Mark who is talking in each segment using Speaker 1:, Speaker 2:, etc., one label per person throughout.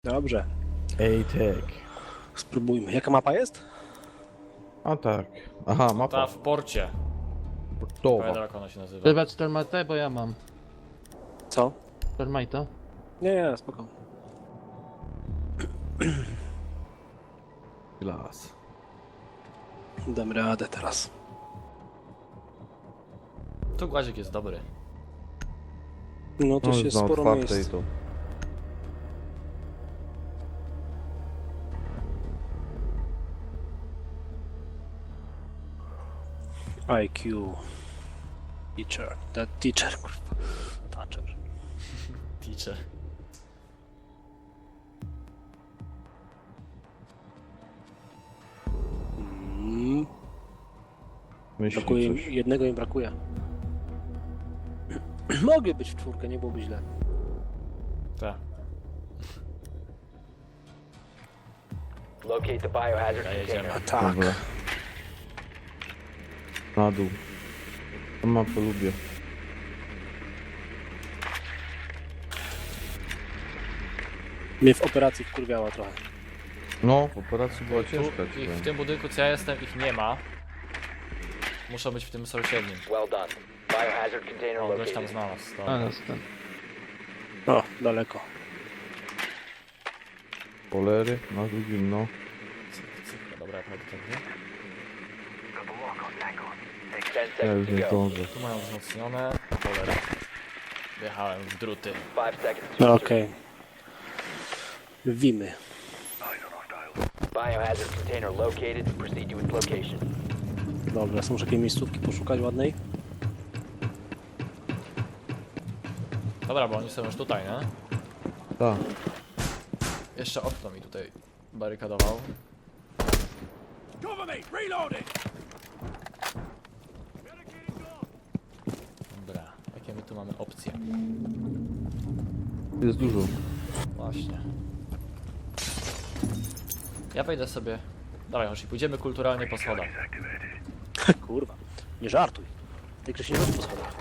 Speaker 1: Dobrze,
Speaker 2: Ej, tak.
Speaker 1: spróbujmy. Jaka mapa jest?
Speaker 2: A tak. Aha,
Speaker 3: Ta
Speaker 2: mapa.
Speaker 3: w porcie.
Speaker 2: Portowa.
Speaker 3: Pamiętam jak ona się nazywa.
Speaker 4: Dawać termatę, bo ja mam.
Speaker 1: Co?
Speaker 4: Termita.
Speaker 1: Nie, spoko.
Speaker 2: Glas.
Speaker 1: Dam radę teraz.
Speaker 3: Tu głazik jest dobry.
Speaker 1: No to się
Speaker 2: jest na
Speaker 1: sporo
Speaker 2: otwartej
Speaker 1: miejsc.
Speaker 2: to.
Speaker 1: IQ. Teacher. Teacher, kurwa. Teacher.
Speaker 3: Teacher.
Speaker 1: Mm,
Speaker 2: Myśli
Speaker 1: brakuje im,
Speaker 2: coś.
Speaker 1: jednego im brakuje. Mogli być w czwórkę, nie byłoby źle.
Speaker 3: Tak.
Speaker 5: Locate the biohazard
Speaker 3: Ja jedziemy.
Speaker 5: container.
Speaker 1: Tak.
Speaker 2: Dobra. Na dół. Tą mapę lubię.
Speaker 1: Mnie w operacji wkurwiała trochę.
Speaker 2: No, w operacji była
Speaker 3: Tu,
Speaker 2: ciężka.
Speaker 3: ich,
Speaker 2: ci
Speaker 3: w tym budynku co ja jestem ich nie ma. Muszą być w tym sąsiednim.
Speaker 5: Well done. Biohazard container
Speaker 3: O, goś tam
Speaker 5: located.
Speaker 3: znalazł. To.
Speaker 4: A, jest ten.
Speaker 1: O, daleko.
Speaker 2: Polery na drugim, no.
Speaker 3: Cyk, dobra, jak będę tędy.
Speaker 5: 10
Speaker 2: Ja już
Speaker 5: seconds
Speaker 2: nie
Speaker 5: to go.
Speaker 2: zdążę.
Speaker 3: Tu mają wzmocnione. Cholera. Wjechałem w druty.
Speaker 5: 5 seconds to
Speaker 1: No
Speaker 5: insert.
Speaker 1: okej. Wimy.
Speaker 5: Biohazard container located. Proceed to its location.
Speaker 1: Dobra, są jakieś miejscówki poszukać ładnej?
Speaker 3: Dobra, bo oni są już tutaj, nie?
Speaker 2: Tak.
Speaker 3: Jeszcze okno mi tutaj barykadował. Dobra, jakie my tu mamy opcje?
Speaker 2: Jest dużo.
Speaker 3: Właśnie. Ja wejdę sobie... Dawaj, Hoshi, pójdziemy kulturalnie po schodach.
Speaker 1: Kurwa, nie żartuj. W tej grze się nie chodzi po schodach.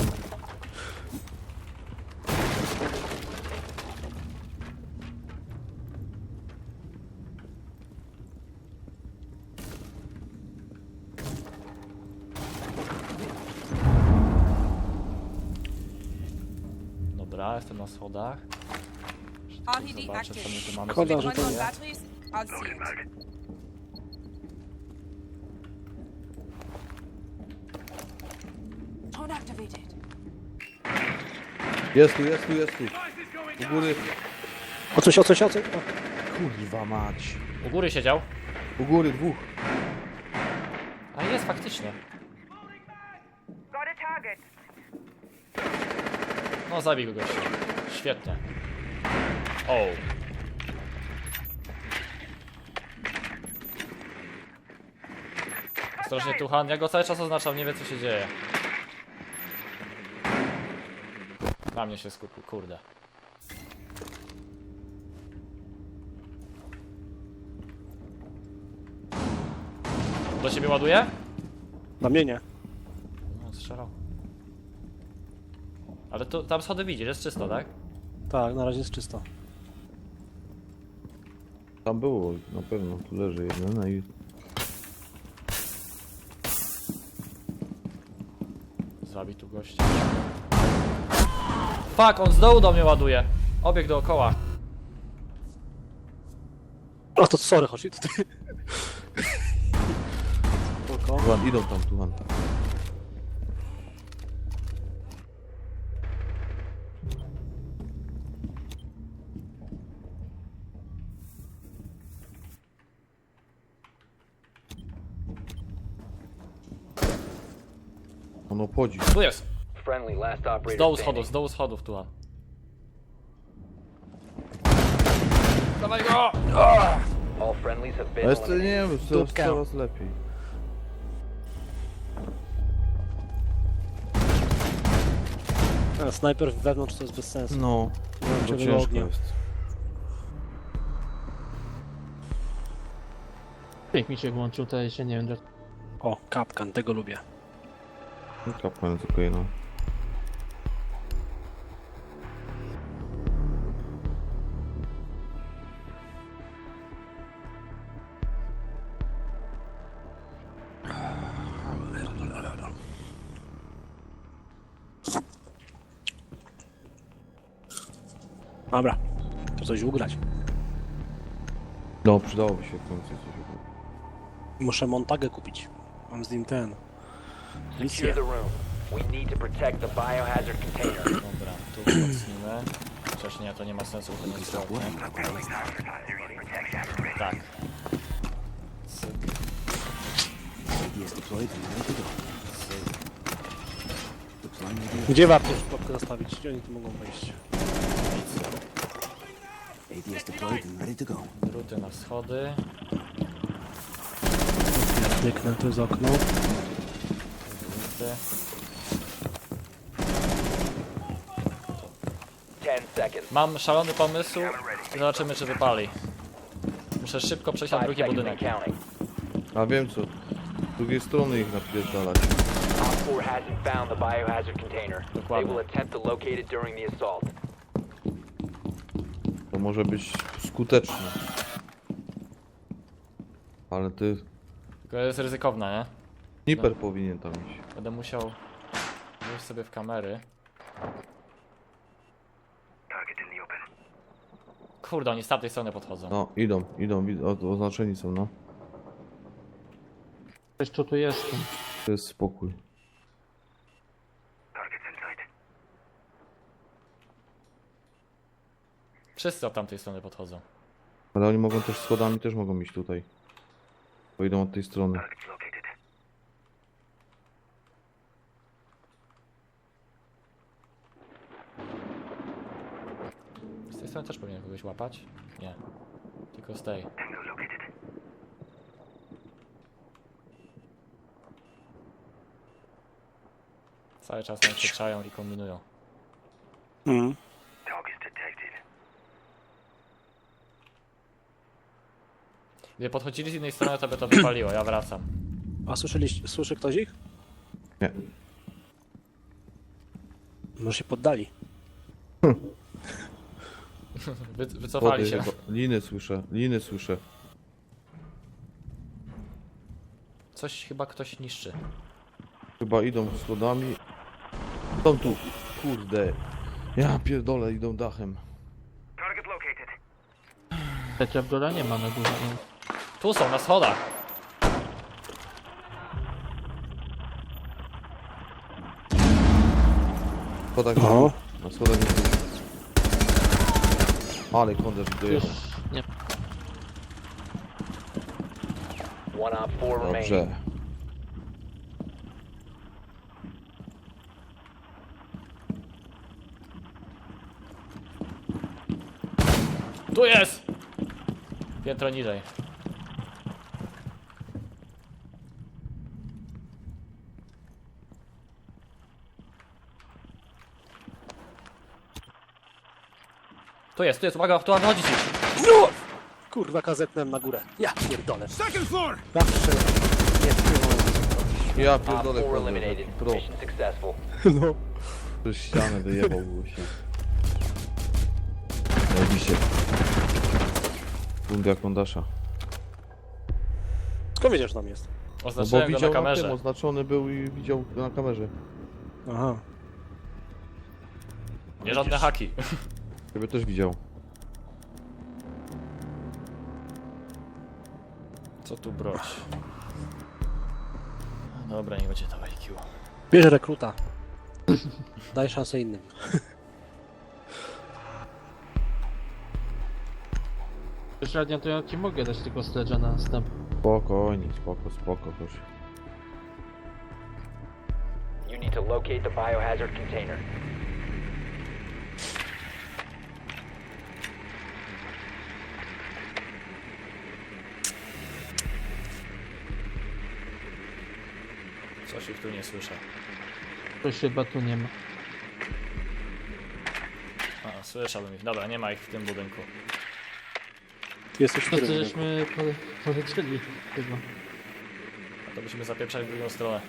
Speaker 3: Dobra, jestem na schodach.
Speaker 6: RTD
Speaker 3: Zobaczę, co my tu mamy.
Speaker 1: Szkoda, że
Speaker 6: One
Speaker 1: to
Speaker 6: on
Speaker 1: nie.
Speaker 6: batteries, I'll see it. Tone activated.
Speaker 2: Jest tu, jest tu, jest tu. U góry.
Speaker 1: O coś, o coś, o coś. O.
Speaker 2: Kurwa mać.
Speaker 3: U góry siedział.
Speaker 2: U góry dwóch.
Speaker 3: A jest faktycznie.
Speaker 6: Got a target.
Speaker 3: No zabij go gościa. Świetnie. O. Ostrożnie Tuchan, ja go cały czas oznaczam, nie wie co się dzieje. Na mnie się skupił, kurde. Do ciebie ładuje?
Speaker 1: Na mnie nie.
Speaker 3: No, strzelał. Ale tu, tam schody widzisz, jest czysto, tak?
Speaker 1: Tak, na razie jest czysto.
Speaker 2: Tam było, na pewno. Tu leży jeden, no i...
Speaker 3: Zabij tu gościa. Fuck, on z dołu do mnie ładuje. Obieg dookoła.
Speaker 1: O, to sorry, chodź tutaj. Spoko.
Speaker 2: Tuhan, idą tam, Tuhan. On obchodzi.
Speaker 3: Tu jest!
Speaker 5: Friendly, last
Speaker 3: Z
Speaker 5: operator
Speaker 3: dołu
Speaker 5: standing.
Speaker 3: schodów tu. Dawaj go!
Speaker 5: All friendlies have
Speaker 2: A
Speaker 5: been
Speaker 2: jest, nie
Speaker 5: eliminated.
Speaker 2: wiem, coraz,
Speaker 1: Dupka.
Speaker 2: coraz lepiej.
Speaker 1: A, snajper wewnątrz to jest bez sensu.
Speaker 2: No, to
Speaker 1: Żeby
Speaker 2: ciężko
Speaker 1: ognia.
Speaker 2: jest.
Speaker 4: Jak mi się włączył, to jeszcze nie wiem.
Speaker 1: O, kapkan, tego lubię.
Speaker 2: Kapłan tylko jedno.
Speaker 1: Dobra, to coś ugrać.
Speaker 2: No, przydałoby się w końcu coś.
Speaker 1: Muszę Montagę kupić. Mam z nim ten.
Speaker 5: Secure
Speaker 1: Misję.
Speaker 5: the room. We need to protect the biohazard container.
Speaker 3: Dobra, tu wzmocnimy. Chociaż nie, to nie ma sensu, bo to nie jest ładnie. Tak. Cyk, cyk.
Speaker 1: Gdzie warto już pułapkę zastawić? Gdzie oni tu mogą wejść?
Speaker 3: Ruty na schody.
Speaker 1: Kliknę tu z okno.
Speaker 3: Ruty.
Speaker 5: 10 seconds.
Speaker 3: Mam szalony pomysł i zobaczymy, czy wypali. Muszę szybko przejść na
Speaker 5: 5
Speaker 3: drugi
Speaker 5: seconds
Speaker 3: budynek.
Speaker 5: and counting.
Speaker 2: A wiem co. Z drugiej strony ich napierdalać.
Speaker 5: Op 4 hasn't found the biohazard container. They
Speaker 3: Dokładnie.
Speaker 5: will attempt to locate it during the assault.
Speaker 2: To może być skuteczne. Ale ty...
Speaker 3: Tylko jest ryzykowne, nie?
Speaker 2: Sniper powinien tam iść.
Speaker 3: Będę musiał wejść sobie w kamery. Kurde, oni z tamtej strony podchodzą.
Speaker 2: No, idą, oznaczeni są, no.
Speaker 4: Jeszcze tu jestem.
Speaker 2: To jest spokój.
Speaker 3: Wszyscy od tamtej strony podchodzą.
Speaker 2: Ale oni mogą też schodami, też mogą iść tutaj. Bo idą od tej strony.
Speaker 3: Z tej strony też powinien kogoś łapać? Nie. Tylko z tej. Cały czas nam się czają i kombinują.
Speaker 1: Mhm.
Speaker 3: Gdy podchodzili z innej strony, to by to wypaliło. Ja wracam.
Speaker 1: A słyszy ktoś ich?
Speaker 2: Nie.
Speaker 1: Może się poddali.
Speaker 3: Wycofali się.
Speaker 2: Liny słyszę.
Speaker 3: Coś chyba ktoś niszczy.
Speaker 2: Chyba idą schodami. Są tu. Kurde. Ja pierdolę, idą dachem.
Speaker 4: Trzecia w dole nie ma na górze. No.
Speaker 3: Tu są, na schodach.
Speaker 2: Schodach
Speaker 1: O.
Speaker 2: na schodach nie. Ale kąderz
Speaker 4: Już
Speaker 2: dojechał.
Speaker 4: nie.
Speaker 5: One op 4 remaining.
Speaker 2: Dobrze.
Speaker 3: Tu jest! Piętro niżej. Tu jest, uwaga, tu wychodzi ci.
Speaker 1: No! Kurwa, kazetnem na górę. Ja pierdolę. Second floor! Zawsze. Nie wpłynąłem.
Speaker 2: Ja
Speaker 5: Op 4
Speaker 2: pierdolę kąderz.
Speaker 5: eliminated.
Speaker 2: Pro.
Speaker 5: Mission successful.
Speaker 1: No.
Speaker 2: Przez ścianę wyjebał było się. Zajebiście. Fundia kondasza.
Speaker 1: Skąd wiedziesz, że tam jest?
Speaker 2: No bo
Speaker 3: Oznaczyłem go na
Speaker 2: widział na tym,
Speaker 3: kamerze.
Speaker 2: oznaczony był i widział na kamerze.
Speaker 1: Aha.
Speaker 3: Nie żadne haki.
Speaker 2: Ciebie też widział.
Speaker 3: Co tu broć? Dobra, nie będzie to IQ.
Speaker 1: Bierz rekruta. Daj szansę innym.
Speaker 4: Średnio to ja ci mogę dać tylko sledge'a na następ.
Speaker 2: Spokojnie, spoko, proszę.
Speaker 5: You need to locate the biohazard container.
Speaker 3: Coś ich tu nie słyszę.
Speaker 4: To chyba tu nie ma.
Speaker 3: A, słyszałbym ich. Dobra, nie ma ich w tym budynku.
Speaker 1: Ty jesteś w
Speaker 4: No to
Speaker 1: którym?
Speaker 4: żeśmy polecieli chyba.
Speaker 3: A to musimy zapieprzać w drugą stronę.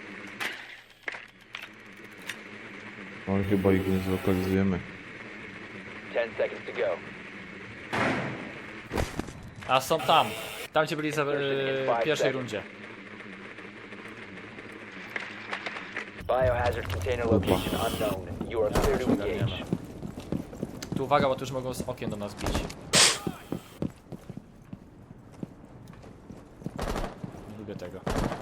Speaker 2: No i chyba ich nie zlokalizujemy.
Speaker 5: 10 seconds to go.
Speaker 3: A są tam! Tam gdzie byli w pierwszej rundzie.
Speaker 5: Biohazard container location unknown. You are clear to engage.
Speaker 3: Tu uwaga, bo tu już mogą z okien do nas bić. Nie lubię tego.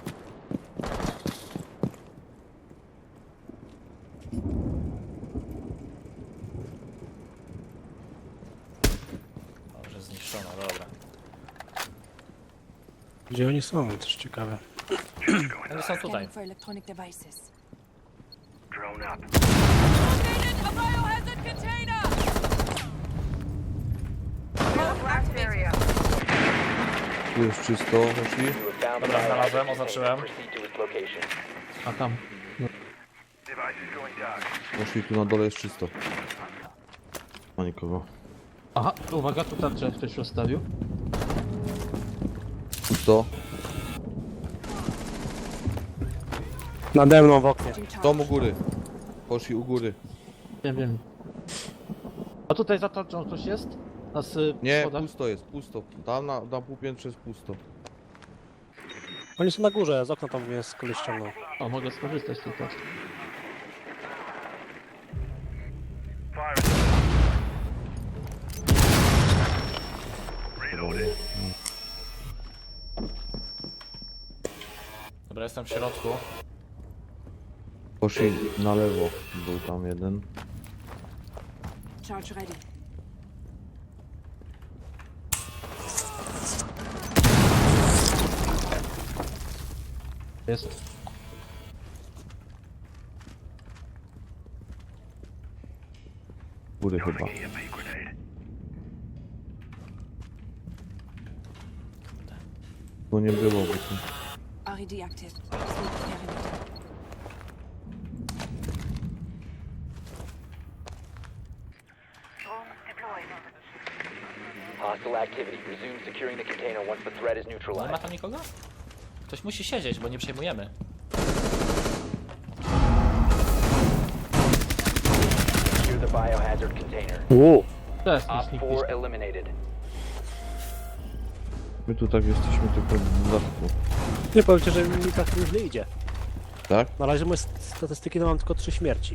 Speaker 3: Dobrze, zniszczona, dobra.
Speaker 1: Gdzie oni są? To jest ciekawe.
Speaker 3: Oni są tutaj.
Speaker 6: Scanning for electronic devices.
Speaker 7: Drone up.
Speaker 6: Located a biohazard container! Activated.
Speaker 2: Tu jest czysto, Hoshi.
Speaker 5: You have found the
Speaker 3: Dobra,
Speaker 5: biohazard
Speaker 3: znalazłem,
Speaker 5: container.
Speaker 3: oznaczyłem.
Speaker 5: Proceed to its location.
Speaker 4: A tam.
Speaker 7: Device is going dark.
Speaker 2: Hoshi, tu na dole jest czysto. Ma nikogo.
Speaker 4: Aha, uwaga, tu tarczę ktoś rozstawił.
Speaker 2: Pusto.
Speaker 1: Nade mną w oknie.
Speaker 2: Dom u góry. Hoshi, u góry.
Speaker 4: Wiem. A tutaj za tarczą ktoś jest? Na
Speaker 2: Nie,
Speaker 4: schodach?
Speaker 2: pusto jest, pusto. Tam na półpiętrze jest pusto.
Speaker 1: Oni są na górze, z okna tam mnie z koleś ściągnął.
Speaker 4: O, mogę skorzystać z tej tarczy.
Speaker 7: Fire. Reloaded.
Speaker 3: Dobra, jestem w środku.
Speaker 2: Hoshi, na lewo. Był tam jeden.
Speaker 6: Charge ready.
Speaker 4: Jest.
Speaker 2: Góry chyba.
Speaker 7: EMP grenade.
Speaker 2: Bo nie było, bo tu...
Speaker 6: RED active. Sleep perimeter.
Speaker 5: Hostile activity. Resume securing the container once the threat is
Speaker 3: Nie ma
Speaker 5: neutralized.
Speaker 3: tam nikogo? Ktoś musi siedzieć, bo nie przejmujemy.
Speaker 5: Secure the biohazard container.
Speaker 4: To jest
Speaker 5: Op
Speaker 4: nikt
Speaker 5: 4 eliminated.
Speaker 2: My tu tak jesteśmy tylko w dodatku.
Speaker 1: Nie powiedzcie, że mi tak źle idzie.
Speaker 2: Tak?
Speaker 1: Na razie moje statystyki to mam tylko 3 śmierci.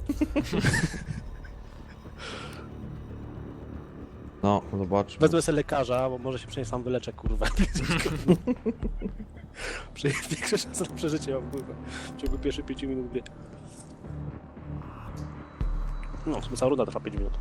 Speaker 2: No, zobaczmy.
Speaker 1: Wezmę sobie lekarza, bo może się przynajmniej sam wyleczę, kurwa. Większe szanse na przeżycie mam, kurwa. W ciągu pierwszych 5 minut gry. No, w sumie cała runda trwa 5 minut.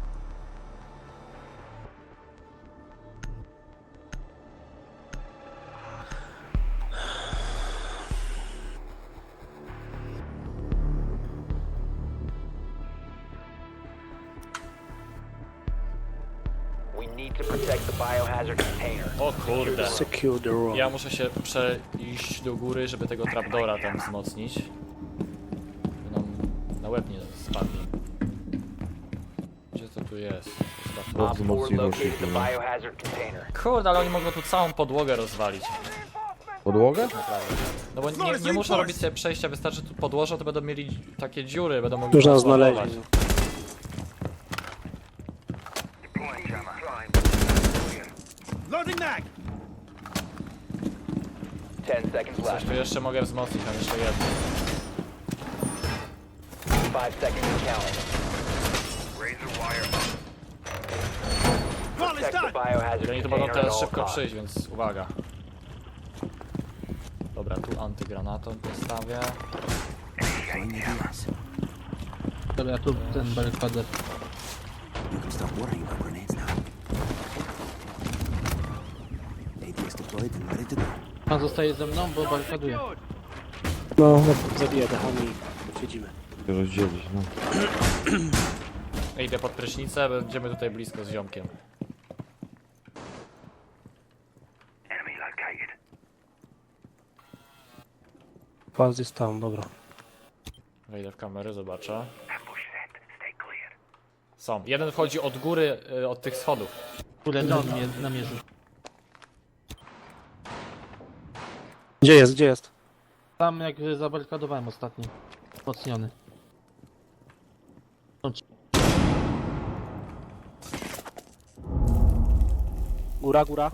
Speaker 5: We need to protect the biohazard container.
Speaker 3: O kurde.
Speaker 1: Secure the room.
Speaker 3: Ja muszę się przejść do góry, żeby tego trapdora tam wzmocnić. Żeby nam na łeb nie spadli. Gdzie to tu jest? Zostaw to.
Speaker 5: Op 4
Speaker 2: wzmocniło się
Speaker 5: located the
Speaker 2: chyba.
Speaker 5: biohazard container.
Speaker 3: Kurde, ale oni mogą tu całą podłogę rozwalić.
Speaker 2: Podłogę?
Speaker 3: No bo nie muszą robić sobie przejścia, wystarczy tu podłożą, to będą mieli takie dziury, będą mogli
Speaker 1: Już nas
Speaker 3: rozładować.
Speaker 1: znaleźli.
Speaker 7: Deploying jammer.
Speaker 8: Loading mag!
Speaker 5: 10 seconds
Speaker 3: Coś
Speaker 5: left.
Speaker 3: tu jeszcze mogę wzmocnić, mam jeszcze jedno.
Speaker 5: 5 seconds and counting.
Speaker 7: Razor wire up.
Speaker 8: Call is
Speaker 5: Protect the
Speaker 8: done!
Speaker 5: biohazard
Speaker 3: Oni tu mogą
Speaker 5: container at
Speaker 3: teraz
Speaker 5: all
Speaker 3: szybko
Speaker 5: costs.
Speaker 3: przyjść, więc uwaga. Dobra, tu antygranatą postawię.
Speaker 4: Dobra, ja tu ten barykadę.
Speaker 8: You can stop worrying about grenades now. ATS deployed and ready to go.
Speaker 4: Pan zostaje ze mną, bo barykaduje.
Speaker 1: No, zabiję dechami i siedzimy.
Speaker 2: Się rozdzielić, no.
Speaker 3: Ja idę pod prysznicę, będziemy tutaj blisko z ziomkiem.
Speaker 7: Enemy located.
Speaker 1: Pas jest tam, dobra.
Speaker 3: Wejdę w kamerę, zobaczę.
Speaker 7: Ambush set. Stay clear.
Speaker 3: Są. Jeden wchodzi od góry, od tych schodów.
Speaker 4: Kurde, dron mnie namierzył.
Speaker 1: Gdzie jest, gdzie jest?
Speaker 4: Tam jak zabarykadowałem ostatni. Wzmocniony.
Speaker 1: Góra, góra.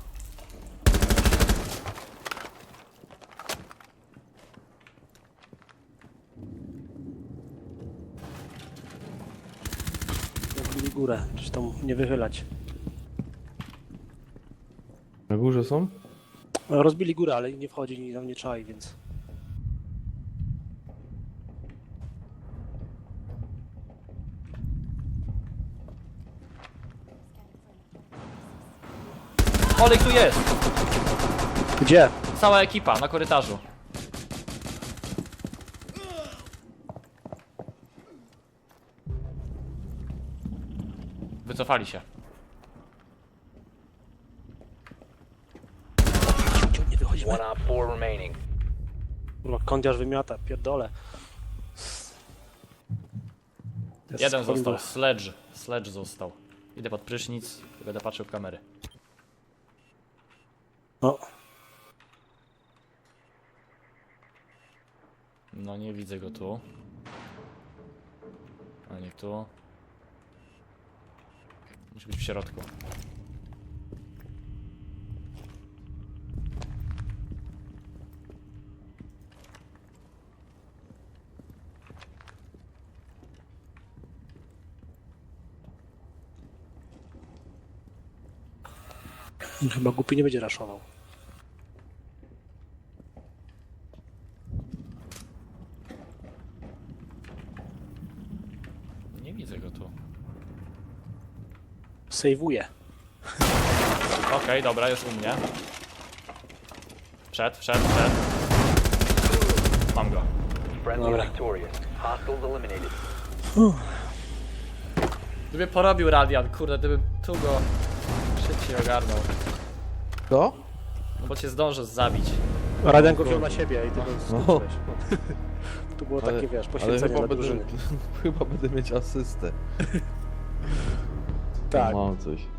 Speaker 1: Jak byli górę, czy tam nie wychylać.
Speaker 2: Na górze są?
Speaker 1: No, rozbili górę, ale nie wchodzi, ni tam nie czai, więc...
Speaker 3: Olej tu jest!
Speaker 1: Gdzie?
Speaker 3: Cała ekipa na korytarzu. Wycofali się.
Speaker 1: Nie wychodzimy.
Speaker 5: One op 4 remaining.
Speaker 1: Kurwa, kądziarz wymiata, pierdolę. Jest
Speaker 3: Jeden
Speaker 1: kondor.
Speaker 3: został, Sledge. Sledge został. Idę pod prysznic i będę patrzył w kamery.
Speaker 1: No,
Speaker 3: No nie widzę go tu. A nie tu. Musi być w środku.
Speaker 1: chyba głupi nie będzie raszował.
Speaker 3: Nie widzę go tu.
Speaker 1: Sejwuje.
Speaker 3: Okej, dobra, już u mnie. Wszedł. Mam go.
Speaker 5: Friendly
Speaker 1: Dobra.
Speaker 5: victorious. Hostiles eliminated.
Speaker 3: Gdyby porobił radiant, kurde, gdybym tu go szybciej ogarnął.
Speaker 2: To?
Speaker 3: No bo cię zdążę zabić.
Speaker 1: Radian go wziął na siebie i ty go
Speaker 2: No.
Speaker 1: skończyłeś. Tu było takie, wiesz,
Speaker 2: ale
Speaker 1: poświęcenie
Speaker 2: chyba
Speaker 1: dla
Speaker 2: będę,
Speaker 1: drużyny.
Speaker 2: chyba będę mieć asystę.
Speaker 1: Tak.
Speaker 2: Mam coś.